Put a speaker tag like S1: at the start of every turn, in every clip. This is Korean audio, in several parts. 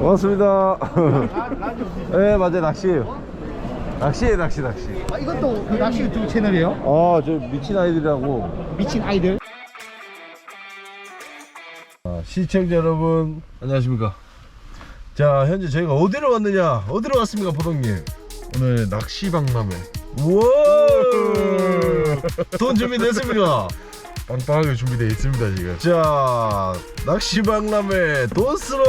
S1: 고맙습니다. 네, 맞아요. 낚시예요. 낚시에 낚시.
S2: 아, 이것도 그 낚시 유튜브 채널이에요?
S1: 아, 저 미친 아이들이라고.
S2: 미친 아이들.
S1: 시청자 여러분, 안녕하십니까. 자, 현재 저희가 어디로 왔느냐? 어디로 왔습니까, 보동님? 오늘 낚시박람회. 우와! 돈 준비됐습니까? 빵빵하게 준비되어 있습니다, 지금. 자, 낚시박람회 돈스로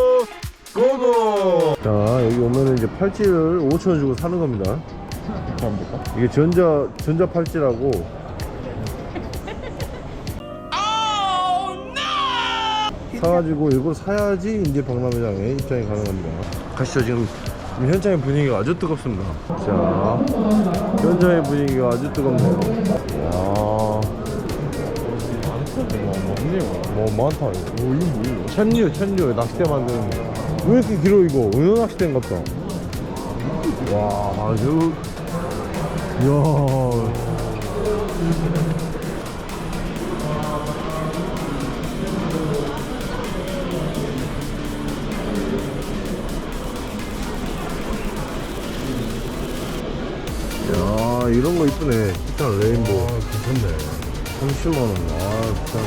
S1: 고고! 자, 여기 오면은 이제 팔찌를 5,000원 주고 사는 겁니다. 이게 전자 팔찌라고. 사가지고 이걸 사야지 이제 박람회장에 입장이 가능합니다. 가시죠. 지금 현장의 분위기가 아주 뜨겁습니다. 자, 현장의 분위기가 아주 뜨겁네요. 이야, 뭐 많다. 이거 뭐예요? 챔류 낚싯대 만드는 거. 왜 이렇게 길어 이거? 은어 낚싯대인갑다. 와, 아주 이야. 야, 이런 거 이쁘네. 티탄 레인보우. 괜찮네. 30만원. 아, 진짜.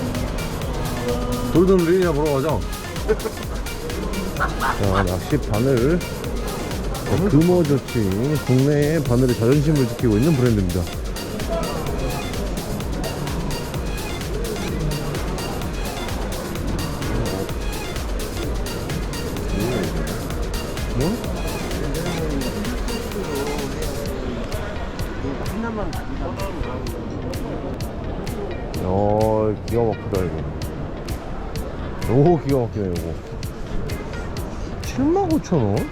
S1: 골든 리니아 보러 가자. 자, 낚시 바늘. 금호조칭. 국내의 바늘의 자존심을 지키고 있는 브랜드입니다. 뭐? 기가 막히다 이거. 오, 기가 막히네 이거. 79,000원?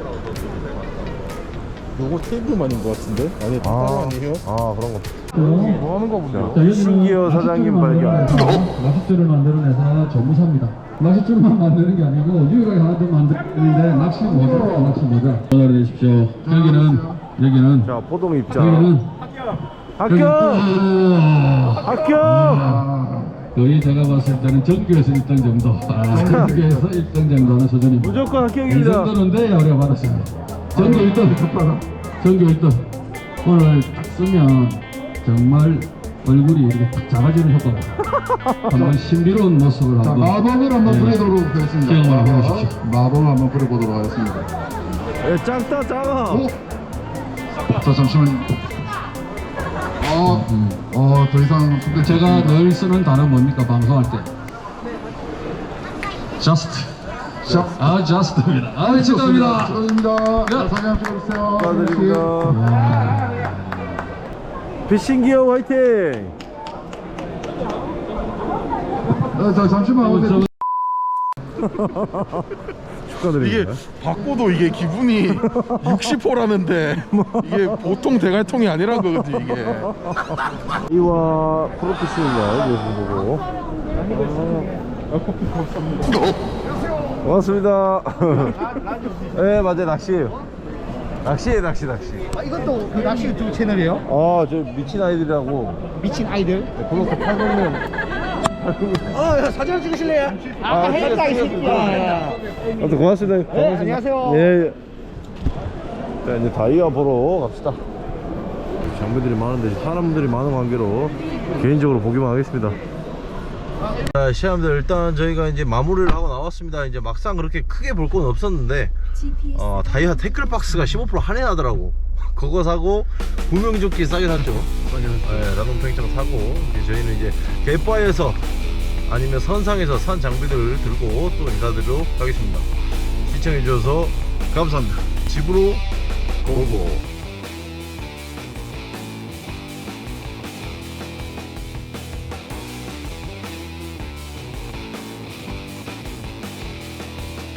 S3: 요거 테이블만인 것 같은데? 아니 따로 아니에요?
S1: 아, 그런 거.
S3: 뭐 하는 거 본데요?
S1: 신기어 사장님 발견.
S4: 낚싯줄을 만들어내서 전무사입니다. 낚싯줄만 만드는 게 아니고 유일하게 하나 더 만드는데 낚시 모자. 전화를 내십시오. 여기는
S1: 자, 포동 입장.
S4: 여기는
S1: 합격! 합격!
S4: 거의 제가 봤을 때는 전교에서 1등 정도. 전교에서 1등 정도는 수준입니다.
S1: 무조건
S4: 이
S1: 합격입니다.
S4: 정도는 돼야 우리가 받았습니다. 전교 1등. 전교 1등. 오늘 딱 쓰면 정말 얼굴이 이렇게 딱 작아지는 효과가. 한번 신비로운 모습을
S3: 자,
S4: 한번.
S3: 마법을 한번 부려보도록 하겠습니다.
S4: 경험을 해보십시오.
S3: 마법을 한번 부려보도록 하겠습니다.
S1: 작다, 작아.
S3: 오! 자, 잠시만요. 더 이상 선택
S4: 제가 늘 쓰는 단어 뭡니까? 방송할 때. just. just입니다. 축하합니다.
S3: 축하드립니다. 자, 사진 한번 찍어주세요.
S1: 축하드립니다. 피싱기어 화이팅!
S3: 자, 잠시만.
S1: 축하드립니다.
S5: 바꿔도 이게 기분이 60호라는데 이게 보통 대갈통이 아니란 거거든 이게.
S1: 이와 프로피싱입니다. 이거 보고. 고맙습니다. 네, 맞아요. 낚시예요. 낚시.
S2: 아, 이것도 그 낚시 유튜브 채널이에요?
S1: 아, 저 미친 아이들이라고.
S2: 미친 아이들.
S1: 구독자 800명.
S2: 야, 사진 찍으실래요? 아까 했다 이 새끼야.
S1: 아무튼 고맙습니다.
S2: 네, 안녕하세요.
S1: 예. 자, 이제 다이아 보러 갑시다. 장비들이 많은데 사람들이 많은 관계로 개인적으로 보기만 하겠습니다. 자, 시험들 일단 저희가 이제 마무리를 하고 나왔습니다. 이제 막상 그렇게 크게 볼 건 없었는데 다이아 태클박스가 15% 할인하더라고. 그거 사고 구명조끼 싸게 샀죠. 네, 라돈 팽창 사고 이제 저희는 이제 갯바에서 아니면 선상에서 산 장비들을 들고 또 인사드리도록 하겠습니다. 시청해주셔서 감사합니다. 집으로 고고.